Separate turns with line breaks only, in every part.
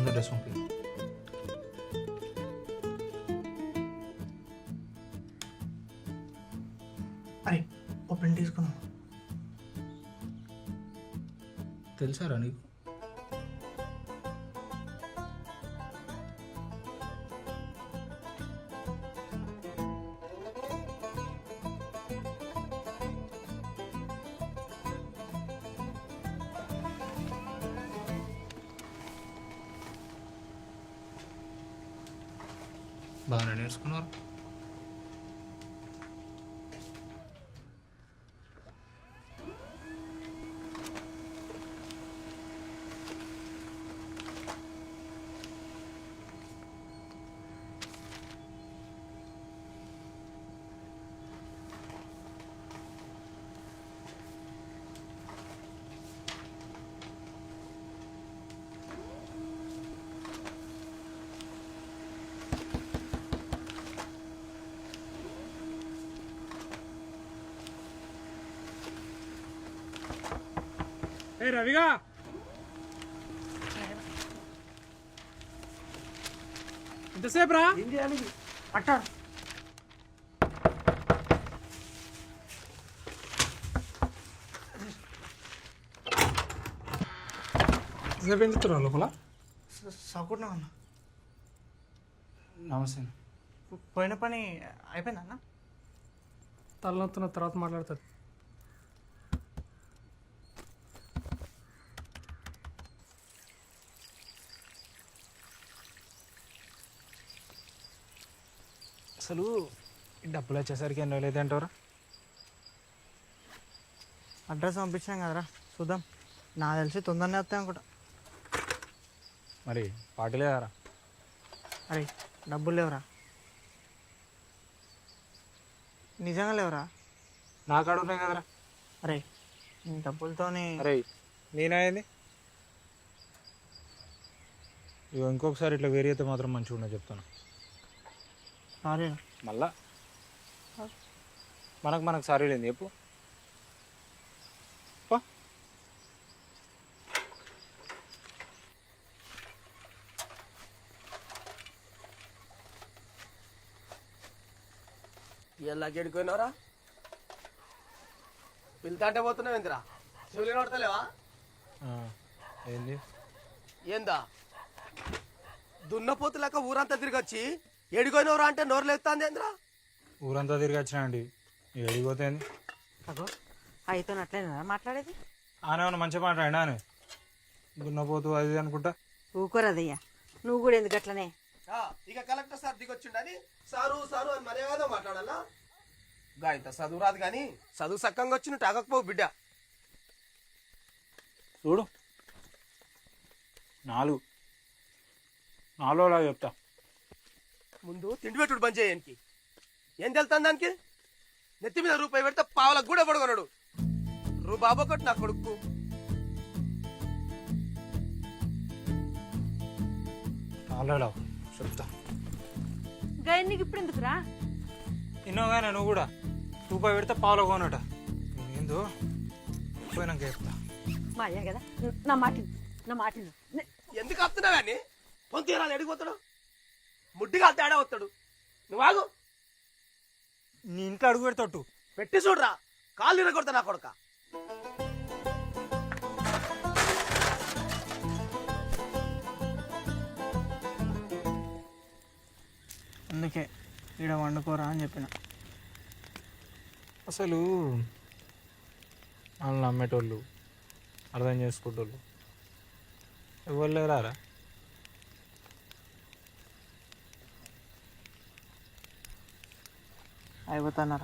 Dress పంపి.
అరే ఓ print తీసుకున్నాం.
తెలుసారా నీకు? బాగానే నేర్చుకున్నారు.
ఏ రవిగా ఎంతసేపు రా?
ఏం చేయాలి అట్టా?
ఎంతసేపు ఏం చెప్తున్నా లోపల?
సౌకున్నా అన్న.
నమస్తే.
పోయిన పని అయిపోయిందా అన్న?
తలనొత్తున్న తర్వాత మాట్లాడుతుంది.
అసలు ఈ డబ్బులు వచ్చేసరికి ఎన్నో లేదంటారా?
అడ్రస్ పంపించాం కదరా, చూద్దాం. నాకు తెలిసి తొందరనే వస్తాయి అనుకుంటా.
మరి పార్టీ లేదారా?
అరే డబ్బులు లేవురా, నిజంగా లేవురా.
నా కాడ ఉన్నాయి కదరా.
అరే నీ డబ్బులతోని
అరే నేనయ్యింది ఇక ఇంకొకసారి ఇట్లా వేరే అయితే మాత్రం మంచిగా ఉండదు చెప్తాను.
సారీ.
మళ్ళా మనకు సారీ లేదు చెప్పు.
ఇలా గెడుకున్నావురా? పిల్తాంటే పోతున్నావు ఏందిరా? చెవులు నోడతలేవా?
ఏంది
ఏందా దున్నపోతు లెక్క ఊరంతా తిరిగొచ్చి ఎడిపోయినవరా అంటే నోరు లేస్తుంది ఏంద్రా?
ఊరంతా తిరిగి వచ్చినా అండి, ఎడిగిపోతే
అగో అయితో అట్లేనా మాట్లాడేది?
ఆనేమన్నా మంచిగా మాట్లాడినా అని దున్నపోతూ అది అనుకుంటా.
ఊకోరదయ్యా, నువ్వు కూడా ఎందుకు అట్లనే?
ఇక కలెక్టర్ సార్ దిగొచ్చిండని సారు సారు అని మర్యాద మాట్లాడాలా? గా ఇంత చదువు రాదు కానీ చదువు సక్కంగా వచ్చి నువ్వు తాగకపోవు బిడ్డ.
చూడు నాలుగులా చెప్తా.
ముందు తిండి పెట్టుడు బంద్ చేయడానికి ఏం తెలుతాను దానికి? నెత్తి మీద రూపాయి పెడితే పావులకు కూడా పడుకున్నాడు. బాబు ఒకటి నా కొడుకు.
నాలుగులా చెప్తా.
గైడ్ నీకు ఇప్పుడు ఎందుకురా?
ఇన్నోగానే నువ్వు కూడా రూపాయి పెడితే పావులో కొనట. ఏందో పోయినాక చెప్తా.
మా అయ్యా కదా, నా మాట
ఎందుకు వస్తున్నావు అని పొంతీరాలు ఎడిగిపోతాడు, ముడ్డిగా తేడా వస్తాడు. నువ్వు ఆగు,
నీ ఇంట్లో అడుగు పెడతావు
పెట్టి చూడరా, కాళ్ళు ఇరగొడతా నా కొడుక.
అందుకే ఈడ వండుకోరా అని చెప్పిన.
అసలు వాళ్ళని నమ్మేటోళ్ళు, అర్థం చేసుకుంటోళ్ళు ఎవరు లేరారా?
అయిపోతున్నారా?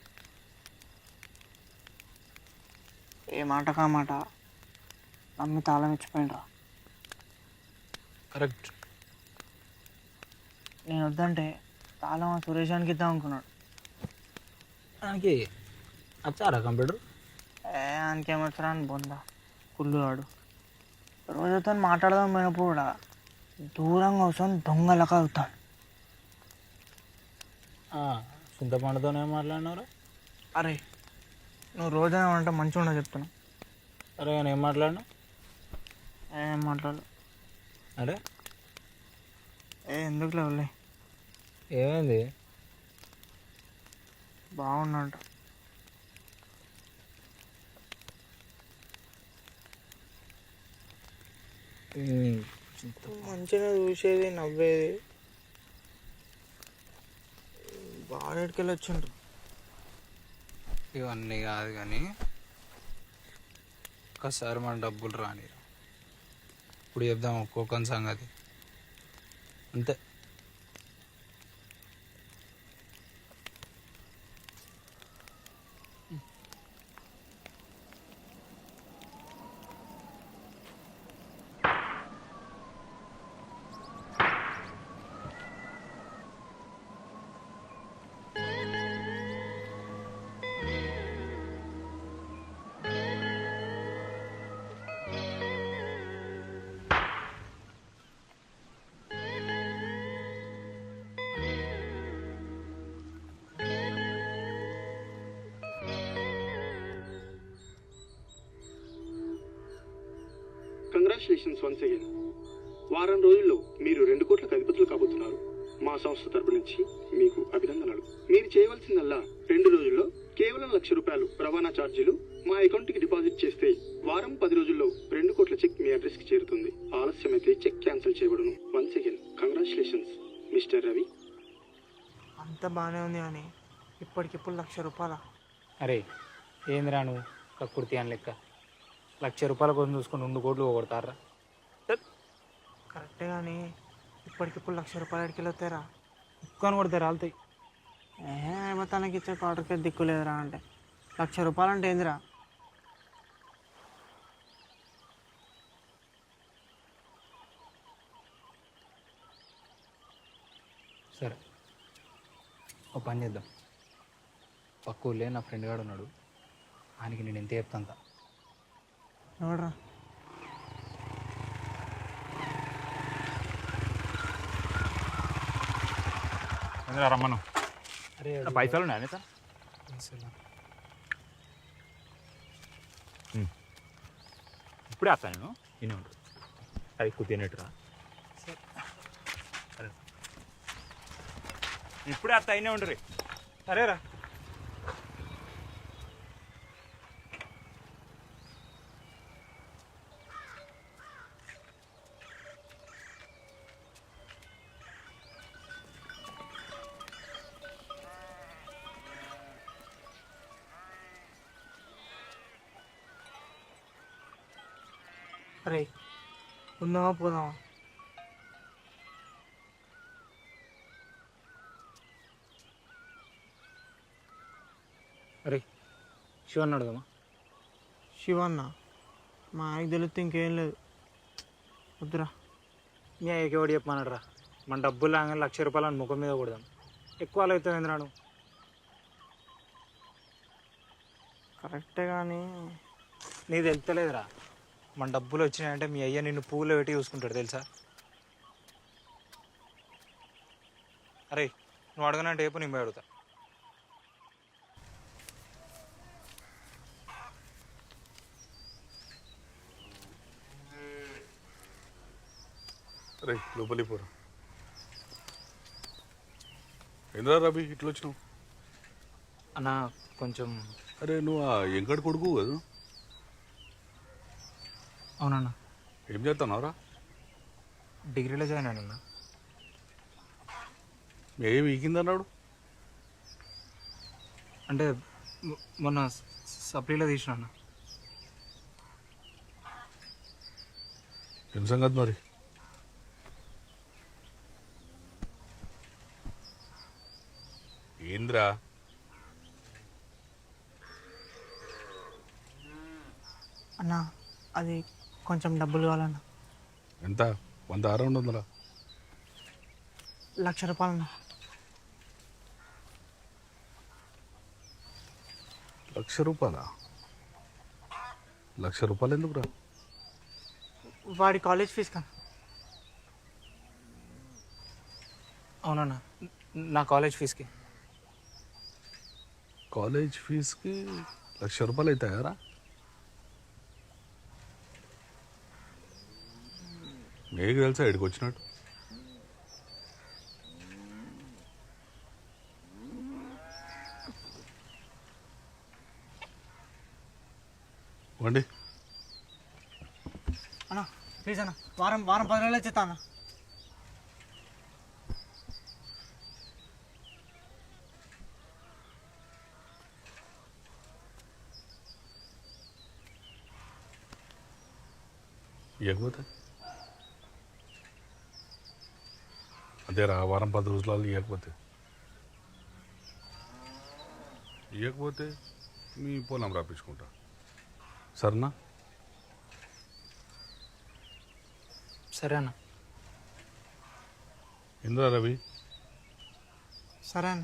ఏ మాట కా మాట నమ్మి తాళం ఇచ్చిపోయినరా.
కరెక్ట్.
నేను వద్దంటే తాళం ఆ సురేషానికి ఇద్దాం అనుకున్నాడు.
దానికి వచ్చారా కంప్యూటర్?
ఆయనకేమొచ్చరా అని బొందా కుళ్ళువాడు. రోజుతో మాట్లాడదాం పోయినప్పుడు కూడా దూరంగా కూర్చొని దొంగలక అవుతాను.
చింతపండుతోనే మాట్లాడినారా?
అరే నువ్వు రోజైనా అంటే మంచిగా ఉండదు చెప్తున్నా.
అరే నేను ఏం మాట్లాడినా?
ఏం మాట్లాడు?
అరే
ఎందుకు లేవులే,
ఏమైంది?
బాగున్నాడు. మంచిగా చూసేది, నవ్వేది. బాడెడికెళ్ళి వచ్చిండ్రు.
ఇవన్నీ కాదు కానీ ఒక్కసారి మన డబ్బులు రాని ఇప్పుడు చెప్దాం ఒక్కొక్కని సంగతి అంతే.
Congratulations once again. వారం రోజుల్లో మీరు 2 కోట్లకు అధిపతులు కాబోతున్నారు. మా సంస్థ తరపు నుంచి మీకు అభినందనలు. మీరు చేయవలసిందల్లా 2 రోజుల్లో కేవలం ₹1,00,000 రవాణా ఛార్జీలు మా అకౌంట్కి డిపాజిట్ చేస్తే వారం 10 రోజుల్లో 2 కోట్ల చెక్ మీ అడ్రస్కి చేరుతుంది. ఆలస్యమైతే చెక్ క్యాన్సిల్ చేయబడును. Once again congratulations mister Ravi.
అంత బాగానే ఉంది కానీ ఇప్పటికిప్పుడు ₹1,00,000.
అరే ఏందిరా నువ్వు కక్కుర్తి అని లెక్క ₹1,00,000 కోసం చూసుకొని 2 కోట్లు పోగొడతారా?
కరెక్టే కానీ ఇప్పటికిప్పుడు ₹1,00,000 ఎడికెళ్ళి వస్తారా?
కుక్కని కొడితే రాలుతాయి.
తనకి ఇచ్చే క్వార్టర్కి దిక్కు లేదురా అంటే ₹1,00,000 అంటే ఏందిరా?
సరే ఓ పని చేద్దాం. పక్క ఊళ్ళే నా ఫ్రెండ్ గాడు ఉన్నాడు, ఆయనకి నేను ఎంత చెప్తాను.
ఎవడరా?
రమ్మను.
అరే
పైసలు ఉన్నాయా సార్? ఇప్పుడే వస్తాను నేను. ఇన్ని ఉంటాడు అది ఎక్కువ తినేట్టురా. సరే ఇప్పుడే వస్తా, అయినే ఉండరు.
సరేరా.
అరే ఉందామా పోదామా?
అరే శివ అన్నాడు కదమ్మా.
శివన్న మా ఆయనకి తెలిస్తే ఇంకేం లేదు. వద్దురా.
మీ అయ్యకి ఎవడు చెప్పమన్నాడు రా? మన డబ్బులు లాగానే ₹1,00,000 అని ముఖం మీద కొడదాం. ఎక్కువ అవుతుంది ఏంద్రా నువ్వు?
కరెక్టే కానీ
నీకు తెలుస్తలేదురా, మన డబ్బులు వచ్చినాయంటే మీ అయ్య నిన్ను పువ్వులో పెట్టి చూసుకుంటాడు తెలుసా? అరే నువ్వు అడగనంటే రేపు నేను అడుగుతా.
అరే లోపలి పోరా. ఏంద్రా రవి ఇట్లా వచ్చినావు?
అన్న కొంచెం.
అరే నువ్వు ఆ ఎంకటి కొడుకు కదా?
అవునన్నా.
ఏం చేస్తున్నావురా?
డిగ్రీలో జాయిన్ అయినా.
ఏం ఈకిందన్నాడు?
అంటే మొన్న సప్లీలో తీసిన అన్న.
ఏం సంగతి మరి? ఏంద్రా?
అన్నా అది కొంచెం డబ్బులు కావాలన్నా.
ఎంత? 100 200?
₹1,00,000 అన్న.
₹1,00,000? ₹1,00,000 ఎందుకురా?
వాడి కాలేజ్ ఫీజు కన్నా.
అవునన్నా, నా కాలేజ్ ఫీజుకి.
కాలేజ్ ఫీజుకి ₹1,00,000 అవుతాయారా? మీకు తెలుసా ఇక్కడికి వచ్చినట్టు? వండి.
అన్న ప్లీజ్ అన్న, వారం 10 రోజులు వచ్చేస్తా అన్న.
ఇవ్వకపోతే అదేరా వారం 10 రోజులలో ఇవ్వకపోతే మీ పొలం రాపించుకుంటా. సరేనా?
సరే అన్న.
ఇంద్రా రవి,
సరే అన్న.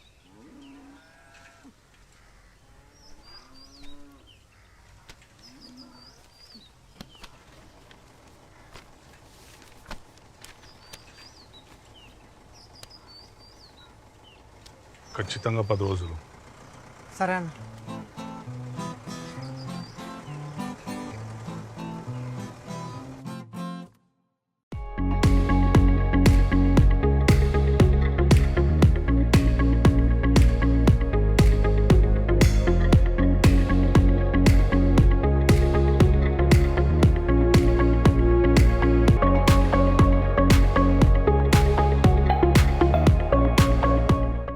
ఖచ్చితంగా 10 రోజులు.
సరే అన్న.